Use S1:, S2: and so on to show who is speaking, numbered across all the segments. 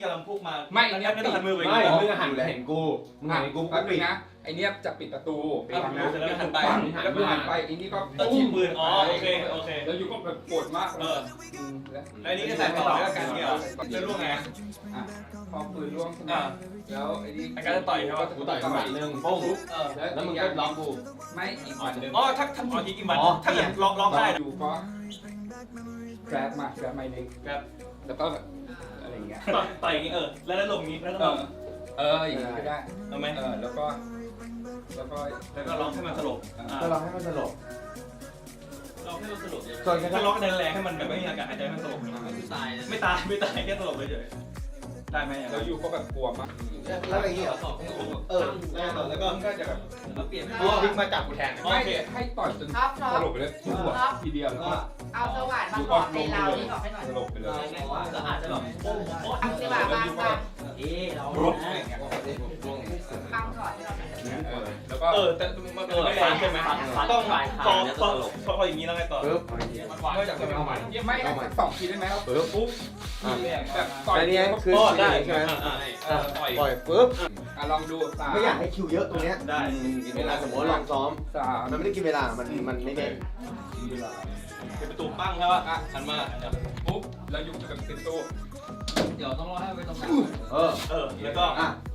S1: กำลังพุ่งมา
S2: ไม่เนี่ย
S1: ไม่ต้องหันมือไป
S3: ไม่มึงหันเห็นกูมึงหันเห็นกู
S2: แป๊บนึงนะไอเนี้ยจะปิดประตู
S1: แล้วหันไป
S2: แล้วหันไปไอนี่ก็
S1: ตะชี้ปืนอ๋อโอเคโอเค
S2: แล้วอยู่ก็แบบปวดมาก
S1: แล้วอันนี้ก็ใส่ต่อแล้วกันเนี่ยจะล่วงไง
S2: พอปืนล่วงใช่ไหมแล้วไอ้นี่
S1: อาการจะต่อยใช่ป่ะ
S3: กูต่อยหมัดนึงปุ้งแล้วมึงก็ล็อกกู
S2: ไม่อีกหมัดนึง
S1: อ๋อถ้าอีกมันถ้าเกิดล็อกได้
S2: อยู่ก็แกร็บมาเล็ก
S1: ครับ
S2: แล้วก็อะไรอย่างเงี้ย
S1: ต่อยอย่างงี้แล้วลงนี้แล้วก็
S2: อย่างนี้ก็ได้
S1: ทำไหม
S2: แล้วก็
S1: ล็อกให้มันสลบ
S3: ก็ล็อกให้มันสลบ
S1: ล็อกให้มันสลบ
S3: ส่วนแค่
S1: ถ้าล็อกแรงให้มันแบบไม่มีอากาศหายใจมันสลบไม่ตายแค่สลบเฉยได้ไหม
S2: แล้วอยู่ก็แบบกลัวมาก
S3: แล้วอย่างนี้เหรอแล้วก็ก็จะแบบพลิกมาจับกูแทน
S2: ไม่ให้ต่อยจนสลบไปเลยทีเดียวแล้วก็
S4: เอาสว่านมาเกาะในเรานี่บอกให้หน่อย
S2: สลบไปเลย
S1: แล้วอาจจะแบบ
S4: เอาสว่านมาบัง
S1: เรา
S4: บังก่อนให้เราหน่อย
S2: แล้วก็
S1: แต่มันไม่แรงใช่ไหมต้องพออย่างนี้แล้วไงต่อ
S3: ปึ๊บ
S1: นอกจากจะเอาใหม่
S2: ไม่2 ทีได้ไหมครับปุ๊บแบบต่อย
S3: อันนี้คือใช่ไหม
S1: ปล่อย
S3: ปล่อยปึ๊บ
S2: ลองดู3
S3: ไม่อยากให้คิวเยอะตรงเนี้ย
S1: ได้
S3: เวลาสมมติลองซ้อม
S2: 3
S3: มันไม่ได้กินเวลามันไม่เด่น
S1: เป็นประตูปั้งใช่ป่ะหันมา
S2: ปุ๊บแล้วอยู่กับติดตู้
S5: เดี๋ยวต้องรอให้ไปตรงกลาง
S1: แล้วก็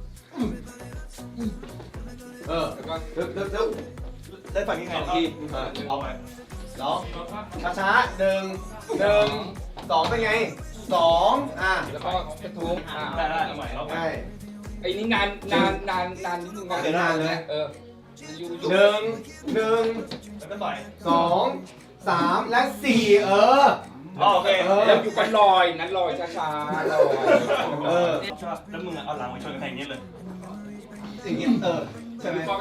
S2: แล้วก็
S3: ตึ๊บ
S1: ได้ฝั่งนี้ไงเอาไป
S3: ร้องช้าๆ1 2เป็นไง2
S2: แล้วก็กระทุ้ง
S1: ได้เอาใหม่เอาใหม่
S3: ใช่
S2: ไอ้นี่นานนิดนึงอยู่
S3: 1
S1: แล้วก็ต่อย
S3: 2 3และ4
S1: โอเค
S2: แล้วอยู่กันลอยนั้นลอยช้าๆลอย
S1: ชอบแล้วมึงเอาหลังมาชนกันอย่างนี้เลย
S3: อย่างเงี้ยใช่ไหม
S2: ก็แบบ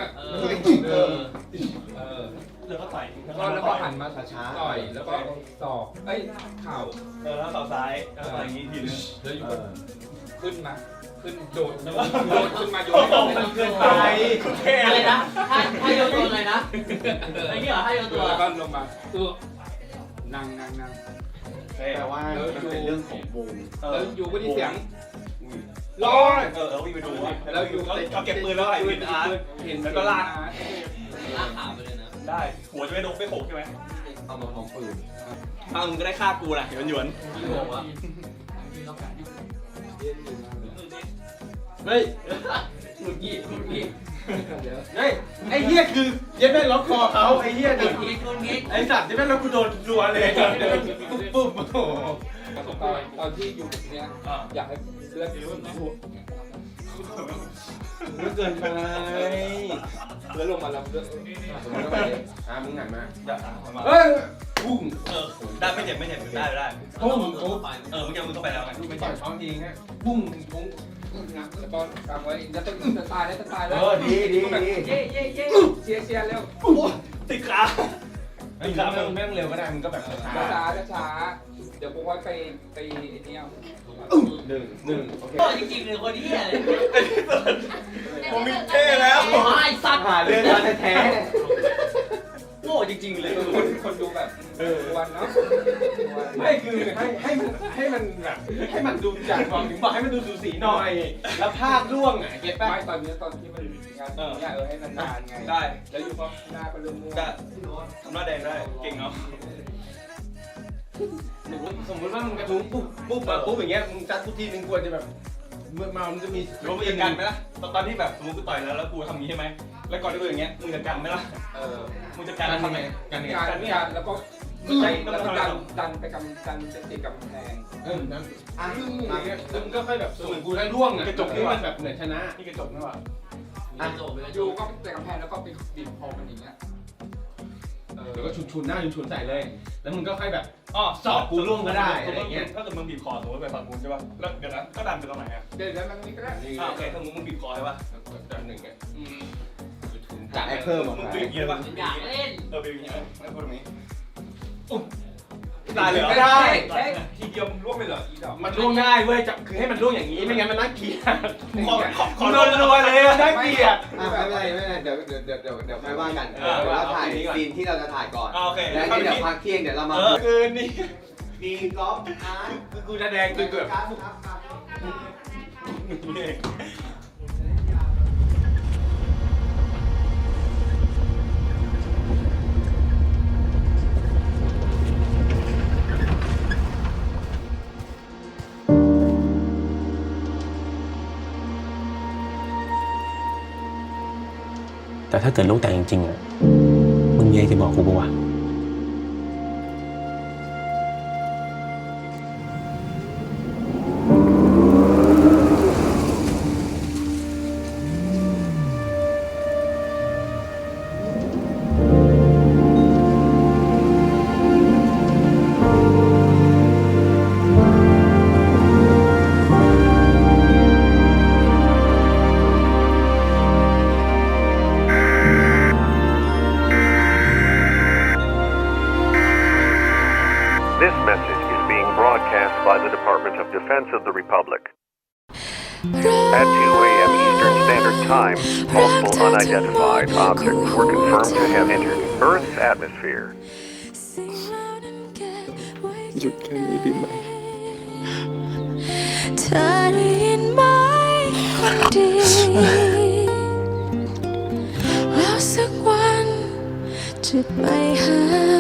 S1: แล้วก็ต่อย
S2: แล้วก็หันมาช้าๆต่อยแล้วก็ศอกเข่า
S1: แล้วต่อซ้ายต่อยอย่างนี้ทีนึง
S2: แล้วอยู่ก็ขึ้นโดดขึ้นมาโย
S1: มันเกินไป
S5: อะไรนะถ้าโยนตัวอะไรนะไอ้นี่เหรอถ้าโยนตัว
S2: แล้วก็ลงมานั่ง
S3: แต่ว่ามันเป็นเรื่องของวง
S2: แล้วอยู่ก็ได้เสียง
S1: ร้อยวิ่งไปดูแล้วอยู่เขาเก็บปืนแล้วไอ้วินอาร์เห็นแล้วก็ลาก
S5: ลากขาไปเลยนะ
S1: ได้หัวจะไม่โดนไม่โขกใช่ไหม
S3: เอามาพร้อมปืน
S1: มึงก็ได้ฆ่ากูแหละหยวน
S5: กี่โมงวะ
S3: เฮ้ย
S2: คุณกี้
S3: เฮ้ยไอ้เหี้ยคือเย็บแม่ล็อกคอเขาไอ้เหี้ย
S5: คุณกิ๊ก
S3: ไอ้สัตว์เย็บแม่แล้วกูโดนรัวเลยปุ๊บโอ้โห
S2: ตอนที่อยู่เนี้ยอยากให้เลือด
S3: มันเกินไป
S2: แล้วลงมาแล้วเลือด
S3: สมมติว่ามึงหันมา
S1: เฮ้ยพุ่งได้ไม่เจ็บได้
S3: ปุ้ง
S5: ปุ๊บ
S1: เมื่อกี้มึงเข้าไปแล้วไง
S3: ไม่ต่อยท้องทีฮะปุ้งปุ้ง
S2: แล้วก็กำไว้จะตายแล้ว
S3: ดี
S2: เชียร์เร็ว
S1: ติดขา
S3: ไม่ต้องเร็วก็ได้มึงก็แบบช้า
S2: เดี๋ยวผมว่าไปไอ้นี่เอา
S3: หนึ่งโอเค
S5: จริงๆเลยคนนี้เลย
S1: ผมมีเท่แล้ว
S5: ไอ้สัตว์
S3: หาเรื่องแท้
S1: โง่จริงๆเลย
S2: คนดูแบบวันเนาะ
S3: ไม่คือให้มันดูจากความถึงบอกให้มันดูสูสีหน่อยแล้วภาพร่วงอ่ะเก็ตป่ะ
S2: ไม่ตอนที่มันงานให้นานๆไง
S1: ได้
S2: แล้วอยู่ก็หน้าก็เริ่มม่วง
S1: ได้ทำหน้าแดงได้เก่งเนาะ
S3: สมมติว่ามึงกระทุ้งปุ๊บอย่างเงี้ยมึงจัดทุกทีนึงควรจะแบบเมื่อมามันจะมี
S1: รู้มึงจะกันไหมล่ะตอนที่แบบสมมติกูต่อยแล้วกูทำงี้ใช่ไหมแล้วก่อนที่กูอย่างเงี้ยมึงจะกันไหมล่ะมึงจะกันทำไง
S3: กันเนี่ย
S2: การแล้วก็ใจแล้วก็ดันไปดันติดกับแพง
S3: นั้นซึ่งก็ค่อยแบบเหมือนกูได้ร่วงอ่ะกระจกนี่มันแบบเหมือนชนะ
S1: นี่กระจกนี่หว่า
S2: อยู่ก็ติดกับแพงแล้วก็ไปบีบคอมันอย่างเงี้ย
S3: แล้วก็ชุนหน้าชุนใส่เลยแล้วมึงก็ค่อยแบบ
S1: สอบ
S3: กูร่วงก็ได้อะไรเงี้ย
S1: ถ้าเกิดมึงบีบคอสมมติไปฝั่งกูใช่ป่ะแล้วเดี๋ยวนะก็ดันไปตรงไหนอ่ะ
S2: เดี๋ยวมันนี่ก็ได้
S1: โอเคถ้ามึงบีบคอใช่ป่ะ
S3: แบบหนึ่งไงจะให้เพิ่มอ่ะ
S1: มึงบีบอย่างงี้ป่ะ
S5: อยากเล่น
S1: บีบอย่างงี้แล้วตรงนี้ได้เลย
S2: ไม่ได้ทีเดียวมึงร่วงไปเหรออีดอก
S3: มันร่วงได้เว้ยคือให้มันร่วงอย่างนี้ไม่งั้นมันน่าเกลียด
S1: ขอโดนรัวเลย
S3: น่าเกลียดไม่เป็นไรเดี๋ยวค่อยว่ากันเราถ่ายซีนที่เราจะถ่ายก่อน
S1: โอเค
S3: แล้วเดี๋ยวพักเที่ยงเดี๋ยวเรามาคืนนี้มีกอล์ฟอาร์ต
S1: กูจะแดงคือเกือบ
S3: ครับ
S1: นี่เอง
S6: แต่ถ้าเกิดลูกแต่งจริงๆอ่ะมึงมีอะไรจะบอกกูปะวะ
S7: This message is being broadcast by the Department of Defense of the Republic. At 2 a.m. Eastern Standard Time, multiple unidentified objects were confirmed to have entered Earth's atmosphere.
S3: หยุดแค่นี้ดีไหม
S8: เธอได้ยินไหมคนดีแล้วสักวันจะไปหา